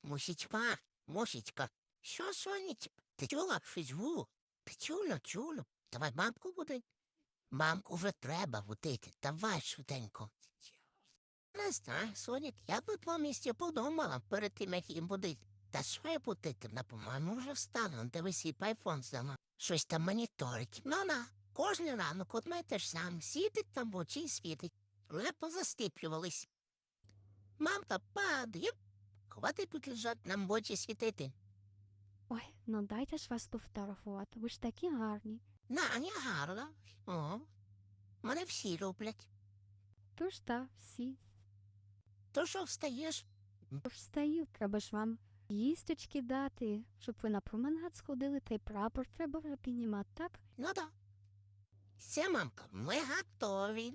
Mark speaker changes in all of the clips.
Speaker 1: Мусічка, Мусічка, що, сонечко? Ти чула щось гу? Ти чула? Давай мамку будить. Мамку вже треба будити, давай швиденько. Не знаю, Сонік, я би по місці подумала перед тим, як їм будити. Та що я будити? По-моєму, вже встала, дивись, і айфон здала. Щось там моніторить. Ну, кожен ранок одне те ж саме. Сідить там в очі і світить. Лепо застиплювались. Мамка падає. Хватить тут лежать, нам в очі світити.
Speaker 2: Ой, ну дайте ж вас пофотографувати, ви ж такі гарні.
Speaker 1: Не гарно. О, мене всі люблять.
Speaker 2: Тож та, всі.
Speaker 1: То що встаєш?
Speaker 2: Тож встаю, треба ж вам їсточки дати, щоб ви на променад сходили, та й прапор треба вже піднімати, так?
Speaker 1: Ну да. Все, мамка, ми готові.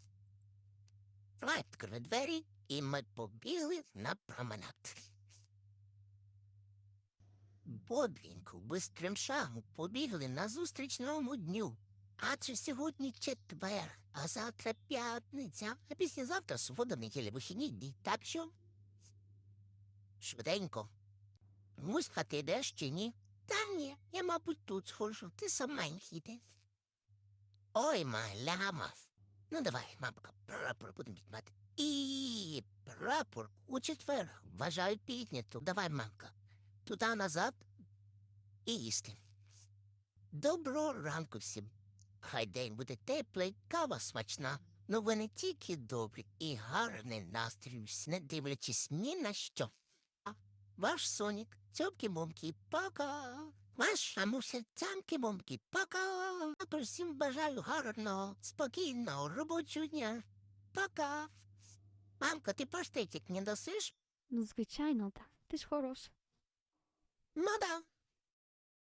Speaker 1: Давай відкрили двері, і ми побігли на променад. Бодренько, бистрим шагом побігли назустріч новому дню. Адже сьогодні четвер, а завтра п'ятниця, а післязавтра субота, неділя, вихідні дні. Так що? Швиденько. Муська, ти йдеш чи ні? Та ні, я, мабуть, тут схожу, ти саменький йди. Ой, маляма. Ну, давай, мамка, прапор будемо підмати. І прапор у четвер. Вважаю підняту. Давай, мамка. Туди назад і їсти. Доброго ранку всім. Хай день буде теплий, кава смачна. Ну ви не тільки добрі і гарний настрій, не дивлячись ні на що. Ваш Сонік, цьомки-момки, пока. Ваша муся, цямки-момки, пока. А всім бажаю гарного, спокійного робочого дня. Пока. Мамка, ти паштетик не досиш?
Speaker 2: Ну, звичайно, так. Ти ж хороша.
Speaker 1: Ну да.